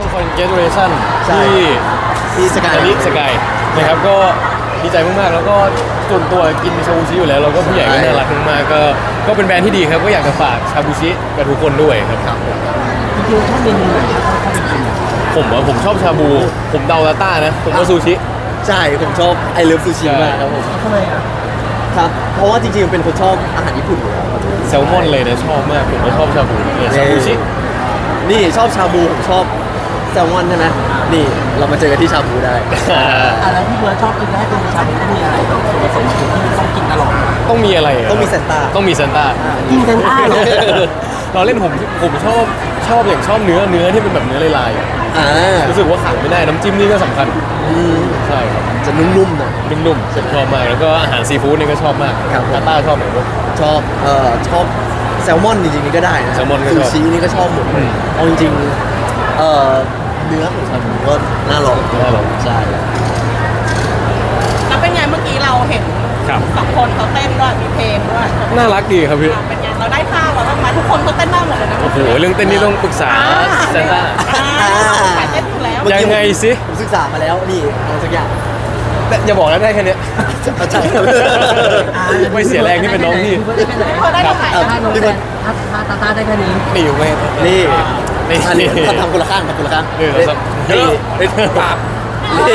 คอนเกรจูเลชั่นใช่ที่สกายนะครับก็ดีใจมากๆแล้วก็ส่วนตัวกินชาบูชิอยู่แล้วเราก็ผู้ใหญ่ก็น่ารักมากๆก็เป็นแบรนด์ที่ดีครับก็อยากจะฝากชาบูชิกับทุกคนด้วยครับครับผมจริงๆชอบเมนูไหนที่เขาไปกินอ่ะผมชอบชาบูผมเดาลาต้านะผมว่าซูชิใช่ผมชอบไอเลิฟซูชิมากครับผมทำไมอ่ะครับเพราะว่าจริงๆเป็นคนชอบอาหารญี่ปุ่นอยู่แล้วครับแซลมอนเลยนะชอบมากผมก็ชอบชาบูเนี่ยชาบูชินี่ชอบชาบูผมชอบแซลมอนใช่ไหมนี่เรามาเจอกันที่ชาบูได้อ่ะแล้วพี่เบิร์ดชอบกินให้เป็นชาบูต้องมีอะไรส่วนผสมที่ต้องกินตลอดต้องมีอะไระต้องมีเซนต้าต้องมีเซนต้ากินกันอ้าวเราเล่นผมชอบอย่างชอบเนื้อที่เป็นแบบเนื้อลายๆอะอ่ารู้สึกว่าขาดไม่ได้น้ำจิ้มนี่ก็สำคัญอืมใช่ครับจะนุ่มๆหน่อยนุ่มๆผมชอบมากแล้วก็อาหารซีฟู้ดนี่ก็ชอบมากครับผมลาต้าชอบไหนบ้างชอบแซลมอนจริงๆนี่ก็ได้นะแซลมอนก็ชอบซูชินี่ก็ชอบหมดอืมเอาจริงๆเนื้อของชาบูก็น่าลองน่าลองใช่แล้วเป็นไงเมื่อกี้เราเห็นครับสองคนเขาเต้นด้วยมีเพลงด้วยน่ารักดีครับพี่เป็นไงเราได้ท่าเราบ้างไหมทุกคนเขาเต้นได้หมดเลยนะโอ้โหเรื่องเต้นนี่ต้องปรึกษาเซนต้าสายเต้นอยู่แล้วยังไงสิผมศึกษามาแล้วนี่เอาสักอย่างแต่อย่าบอกนะได้แค่เนี้ยเอาใช่ครับไม่เสียแรงที่เป็นน้องพี่เขาได้เท่าไหร่ครับถ้าลงพี่แบเบิร์บดถ้าตาได้แค่นี้นี่อยู่ไหมนี่นี่อันนี้ทำคนละข้างทำคนละข้างนี่เราสักเยนี่อะปาบนี่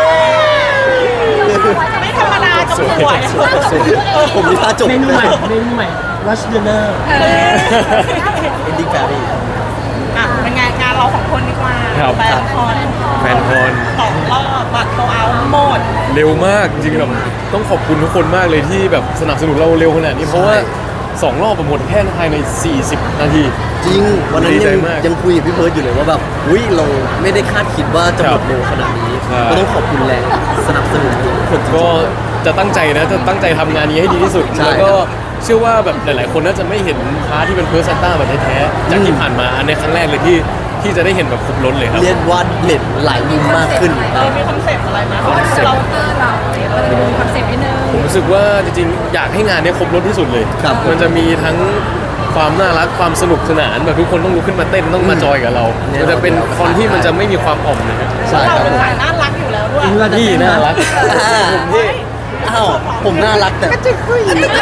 ไม่ธรรมดากับสวยผมมีท่าจบเมนูใหม่ Rush Dinner เอนดิ้งแฟรี่อ่ะเป็นไงงานเราสองคนดีกว่าแฟนคอนแฟนคอนสองรอบบัตรโซเอาหมดเร็วมากจริงๆแบบต้องขอบคุณทุกคนมากเลยที่แบบสนับสนุนเราเร็วขนาดนี้เพราะว่า2 รอบหมดแค่ภายใน40 นาทีจริงวันนั้นดีใจยังมากยังคุยกับพี่เพิร์ดอยู่เลยว่าแบบอุ้ยเราไม่ได้คาดคิดว่าจะหมดเร็วขนาดนี้ใช่ก็ต้องขอบคุณแรงสนับสนุนทุกคนจริงก็จะตั้งใจนะจะตั้งใจทำงานนี้ให้ดีที่สุดใช่แล้วก็เชื่อว่าแบบหลายๆคนน่าจะไม่เห็นพาร์ทที่เป็นเพอร์ซันต้าแบบแท้ๆจากที่ผ่านมาอันในครั้งแรกเลยที่จะได้เห็นแบบครบล้นเลยครับเรียนวาดเน็ตหลายมุมมากขึ้นมีคอนเซ็ปต์อะไรไหมเรามีคอนเซ็ปต์นิดนึงผมรู้สึกว่าจริงๆอยากให้งานเนี้ยครบรถที่สุดเลยครับมันจะมีทั้งความน่ารักความสนุกสนานแบบทุกคนต้องลุกขึ้นมาเต้นต้องมาจอยกับเรา มันจะเป็นคอนที่มันจะไม่มีความอ่อมเลยครับใช่เราครับเป็นผมสายน่ารักอยู่แล้วด้วยนี่น่ารักผมที่อ้าวผมน่ารักแต่จะคุยจริง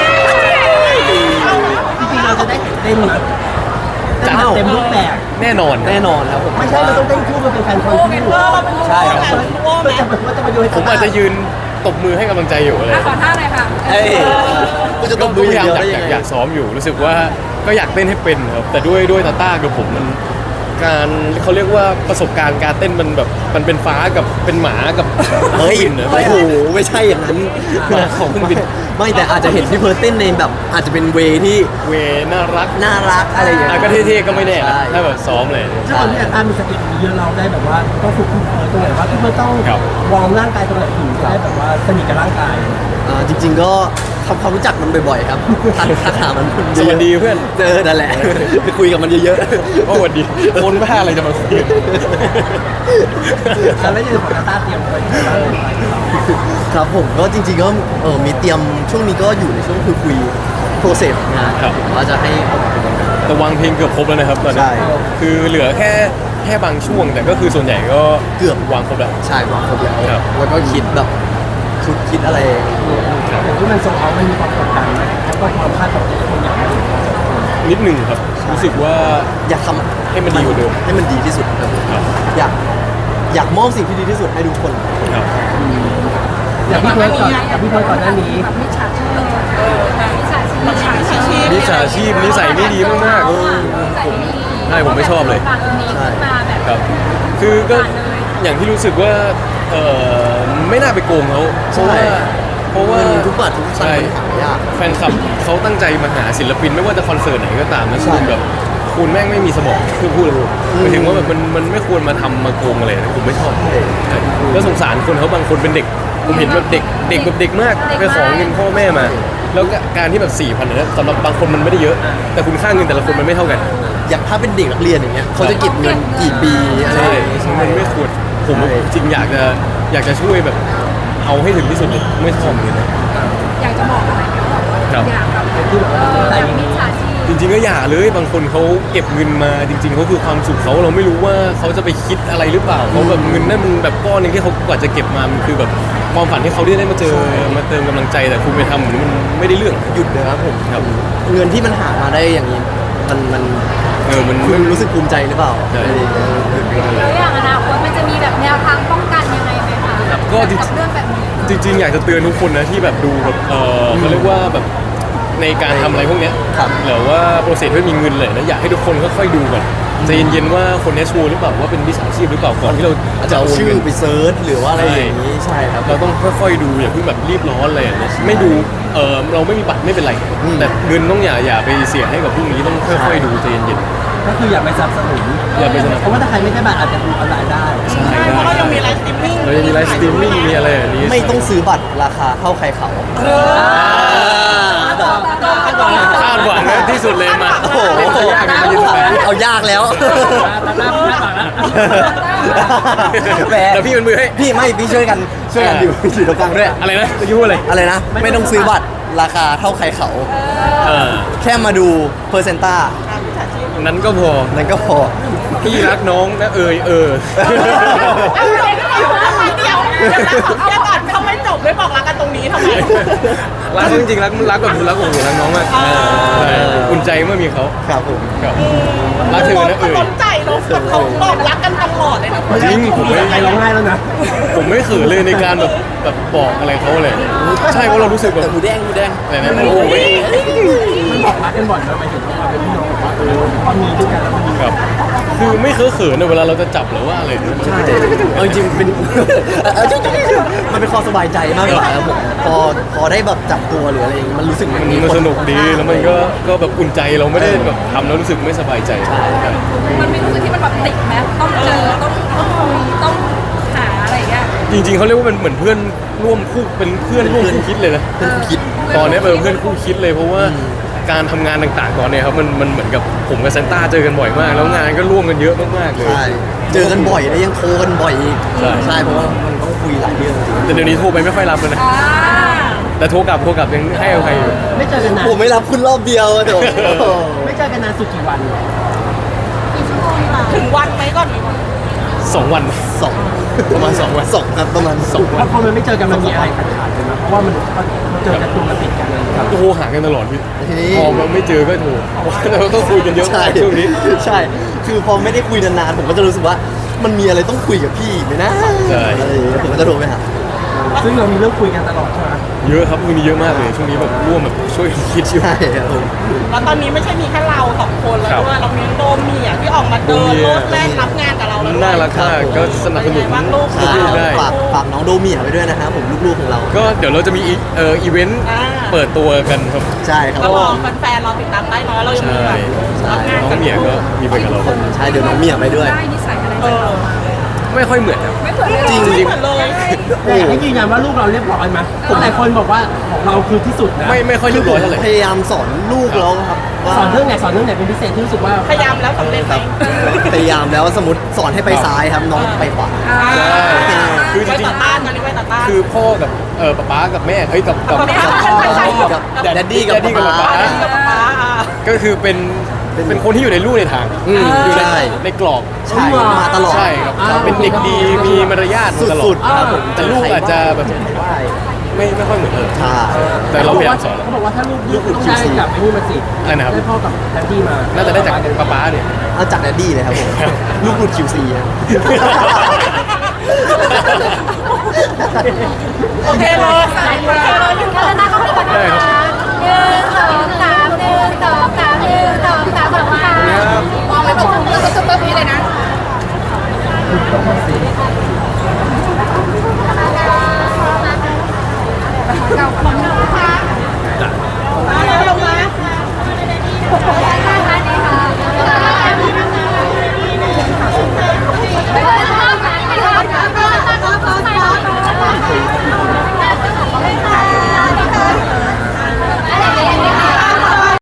ๆเราจะได้เต้นนะจัดเต็มรูปแบบแน่นอนแน่นอนครับผมไม่ใช่เราต้องเต้นคู่มันเป็นแฟนคอนเป็นคู่เวอร์เราเป็นใช่ครับเป็นโอ้ไหมก็จะแบบว่าจะมาดูให้ผมอาจจะยืนตบมือให้กำลังใจอยู่อะไรขอท่าหน่อยค่ะเอ้ยกูจะก็ต้องดูพยายามเดียวได้อยากยังไงอยากซ้อมอยู่รู้สึกว่าก็อยากเต้นให้เป็นครับแต่ด้วยตาต้ากับผมมันการเขาเรียกว่าประสบการณ์การเต้นมันแบบมันเป็นฟ้ากับเป็นหมากับเฮ้ยบินนะโอ้โหไม่ใช่อย่างนั้นของเครื่องบินไม่แต่อาจจะเห็นพี่เพิร์ดเต้นในแบบอาจจะเป็นเวที่เวน่ารักน่ารักอะไรอย่างเงี้ยก็เท่ๆก็ไม่แน่นะใช่ถ้าแบบซ้อมเลยถ้าคนที่อยากตามมีสติเยอะเราได้แบบว่าต้องฝึกตรงไหนว่าที่มันต้องครับวอร์มร่างกายตรงไหนถึงจะได้แบบว่าสนิทกับร่างกายจริง ๆ ก็ทำความรู้จักมันบ่อยๆครับทักหามันเยสอะๆวัสดีเพื่อนเจอนั่นแหละ ไปคุยกับมันเยอะว่าสวัสดีคนบ้าอะไรจะมาคุยกันแล้วในของตาต้าเตรียมไว้ที่บ้านๆ ครับผมก็จริงๆก็มีเตรียมช่วงนี้ก็อยู่ในช่วงคุยโปรเซสของงานครับผมว่าจะให้ออกมาเป็นยังไงแต่วางเพลงเกือบครบแล้วนะครับตอนนี้ใช่คือเหลือแค่บางช่วง แต่ก็คือส่วนใหญ่ก็เกือบวางครบแล้วใช่วางครบแล้วครับแล้วก็คิดแบบชุดคิดอะไรอย่างที่มันโซเอามันมีความกดดันแล้วก็ความคาดหวังที่คนอยากให้นิดหนึ่งครับรู้สึกว่าอยากทำให้มันดีกว่าเดิมให้มันดีที่สุดครับผมครับอยากมอบสิ่งที่ดีที่สุดให้ทุกคนครับอย่างพี่เพิร์ดก่อนกับพี่เพิร์ดก่อนหน้านี้แบบมิจฉาชีพมิจฉาชีพมิจฉาชีพนิสัยไม่ดีมากๆ ใช่ผมไม่ชอบเลยตรงนี้ขึ้นมาแบบครับ คือก็อย่างที่รู้สึกว่าไม่น่าไปโกงเขาเพราะว่าเงินทุกบาททุกสตางใช่ค์มันหายากแฟนคลับเขาตั้งใจมาหาศิลปินไม่ว่าจะคอนเสิร์ตไหนก็ตามนะใช่คุณแบบคุณแม่งไม่มีสมองคือพูดเลยหมายถึงว่าแบบมันไม่ควรมาทำมาโกงอะไรนะผมไม่ชอบใช่แล้วสงสารคนเขาบางคนเป็นเด็ก ผมเห็นแบบเด็กแบบเด็กมากไปขอเงินพ่อแม่มา แล้วก็การที่แบบ4,000เนี่ยสำหรับบางคนมันไม่ได้เยอะ แต่คุณค่าเงินแต่ละคนมันไม่เท่ากันอย่างถ้าเป็นเด็กนักเรียนอย่างเงี้ยเขาจะเก็บเงินกี่ปีอะไรใช่อย่างเงี้ยมันไม่ควรผมจริงอยากจะช่วยแบบเอาให้ถึงที่สุดเลยไม่ชอบเลยนะอยากจะบอกอะไรไหมว่าครับอยากแบบที่แบบว่าแบบมิจฉาชีพจริงๆก็อย่าเลยบางคนเขาเก็บเงินมาจริงๆเขาคือความสุขเขาเราไม่รู้ว่าเขาจะไปคิดอะไรหรือเปล่าเขาแบบเงินนั่นมันแบบก้อนหนึงที่เขากว่าจะเก็บมามันคือแบบความฝันที่เขาได้มาเจอมาเติมกำลังใจแต่คุณไปทำเหมือนมันไม่ได้เรื่องหยุดนะครับผมครับเงินที่มันหามาได้อย่างนี้มันมันคุณรู้สึกภูมิใจหรือเปล่าใช่ไม่ได้หยุดไม่ได้แล้วอย่างอนาคตมันจะมีแบบแนวทางป้องกันยังไงไหมคะก็จริงกับเรื่องแบบนี้จริงๆอยากจะเตือนทุกคนนะที่แบบดูแบบเขาเรียกว่าแบบในการทำอะไรพวกเนี้ยครับหรือว่าโปรเซสไม่มีเงินเลยนะอยากให้ทุกคนค่อยๆดูก่อนใจเย็นๆว่าคนนี้ชัวร์หรือเปล่าว่าเป็นวิชาชีพหรือเปล่าก่อนที่เราอาจจะเอาชื่อไปเซิร์ชหรือว่าอะไรอย่างนี้ใช่ครับเราต้องค่อยๆดูอย่าเพิ่งแบบรีบร้อนเลยนะไม่ดูเราไม่มีบัตรไม่เป็นไร แต่เงินต้องอย่าไปเสียให้กับพวกนี้ต้องค่อยๆดูใจเย็นก็คืออย่าไปสนับสนุนอย่าไปสนับสนุนเพราะว่าถ้าใครไม่ได้บัตรอาจจะดูออนไลน์ได้ๆใช่เพราะเรายังมีไลฟ์สตรีมมิ่งเราจะมีไลฟ์สตรีมมิ่งมีอะไรอย่างนี้ไม่ต้องซื้อบัตรราคาเท่าใครเขาคาดหวังนะที่สุดเลยมาโอ้โหเล่นจะยากกันมายืนแฟนเอายากแล้วตามหน้าพี่บัตรแล้วแหมแล้วพี่เป็นมือให้พี่ช่วยกันอยู่อยู่ตรงกลางด้วยอะไรนะตะกี้พูดอะไรอะไรนะ ไม่ต้องซื้อบัตรราคาเท่าใครเขาเออแค่มาดูเพอร์เซนต้านั้นก็พอนั่นก็พอพี่รักน้องนะเดี๋ยวก่อนเขาไม่จบไม่บอกรักกันตรงนี้ทำไมรักจริงๆรักแบบรักโอ้โหรักน้องมากใช่อุ่นใจเมื่อมีเขาครับผมครับรักเธอนะเขาสนใจเนาะแบบเขาบอกรักกันตลอดเลยนะจริงผมไม่ใครร้องไห้แล้วนะผมไม่เขินเลยในการแบบบอกอะไรเขาเลย ใช่เพราะเรารู้สึกแบบแต่หมูแดงอะไรนะโอ้ยมันบอกรักกันบ่อยนะหมายถึงว่าเป็นพี่น้องบอกว่าพอมีด้วยกันแล้วมันมีครับคือไม่เคอะเขินเลยเวลาเราจะจับหรือว่าอะไรเนี่ยใช่เอาจริงๆเป็นมันเป็นความสบายใจมากกว่าครับผมพอได้แบบจับตัวหรืออะไรอย่างงี้มันรู้สึกมันสนุกดีแล้วมันก็แบบอุ่นใจเราไม่ได้แบบทำแล้วรู้สึกไม่สบายใจครับมันมีรู้สึกที่มันแบบติดไหมต้องเจอต้องคุยต้องหาอะไรอย่างเงี้ยจริงๆเขาเรียกว่าเป็นเหมือนเพื่อนร่วมคู่เป็นเพื่อนร่วมคู่คิดเลยนะเป็นผู้คิดตอนนี้เป็นเพื่อนคู่คิดเลยเพราะว่าการทำงานต่างๆตอนเนี้ยครับมันเหมือนกับผมกับเซนต้าเจอกันบ่อยมาก แล้วงานก็ร่วมกันเยอะมากๆเลยใช่เจอกันบ่อยแล้วยังโทรกันบ่อยอีกใช่ใช่เพราะว่ามันต้องคุยหลายเรื่องจริงแต่เดี๋ยวนี้โทรไปไม่ค่อยรับเลยนะอ่าแต่โทรกลับยังให้อภัยอยู่ไม่เจอกันนานผมไม่รับคุณรอบเดียวเดี๋ยวไม่เจอกันนานสุดกี่วันถึงวันไหมก่อนดีกว่า 2 วันสองประมาณ2 วันสองครับประมาณสองเพราะพอมันไม่เจอกันมันมีอะไรขาดๆกันนะเพราะว่ามันเจอกันตัวมันติดกันนะครับโทรหากันตลอดพี่ทีนี้พอมันไม่เจอก็โทรเพราะว่าเราต้องคุยกันเยอะใช่มากช่วงนี้ใช่ คือพอไม่ได้คุยนานๆผมก็จะรู้สึกว่ามันมีอะไรต้องคุยกับพี่ไหมนะใช่อะไรอย่างเงี้ยผมก็จะโทรไปหาซึ่งเรามีเรื่องคุยกันตลอดใช่ไหมเยอะครับมีเยอะมากเลยช่วงนี้แบบร่วมแบบช่วยคิดอยู่ใช่ครับผมแล้วตอนนี้ไม่ใช่มีแค่เรา2 คนแล้วด้วยเรามีโดมมีอ่ะที่ออกมาเดินรถแรกรับงานกับเราแล้วด้วยน่ารักมากก็สนับสนุนเป็นไงบ้างลูกลูกๆได้ฝากน้องโดเมียไปด้วยนะครับผมลูกๆของเราก็เดี๋ยวเราจะมีอีเวนต์อ่าเปิดตัวกันครับใช่ครับก็รอแฟนๆเราติดตามได้เนาะเรายังมีแบบใช่รับงานน้องกันเหมียก็มีไปกับเราใช่เดี๋ยวน้องเมียไปด้วยได้นิสัยอะไรเออไม่ค่อยเหมือนครับไม่เผื่อเลยจริงไม่เหมือนเลยแต่อยากให้ยืนยันว่าลูกเราเรียบร้อยไหมผมหลายคนบอกว่าของเราคือที่สุดนะไม่ค่อยเรียบร้อยเท่าไหร่พยายามสอนลูกเราครับว่าสอนเรื่องไหนเป็นพิเศษที่รู้สึกว่าพยายามแล้วสำเร็จไหคมรับพยายามแล้วสมมติสอนให้ไปซ้ายครับน้องไปขวาใช่คือจไว้ริงต่อต้านตอนนี้ไว้ต่อต้านๆคือพ่อกับป๊ากับแม่เอ้ยกับกับแดดดี้กับกับป๊าป๊ากับป๊าอ่ะก็คือเป็นคนที่อยู่ในลู่ในทางอยู่ใช่ในกรอบใช่มาตลอดใช่ครับเป็นเด็กดีมีมารยาทมาตลอสุดดๆครับผมแต่ลูกอาจจะแบบไม่ค่อยเหมือนใช่แต่เราพยายามสอนเขาบอกว่าถ้าลูกต้องได้กับไอ้นี่มาสิอะไรนะครับได้พ่อกับแดดดี้มาน่าจะได้จากป๊าเนี่ยเอาจากแดดดี้เลยครับผมลูกหลุด QC ครับโอเคเลย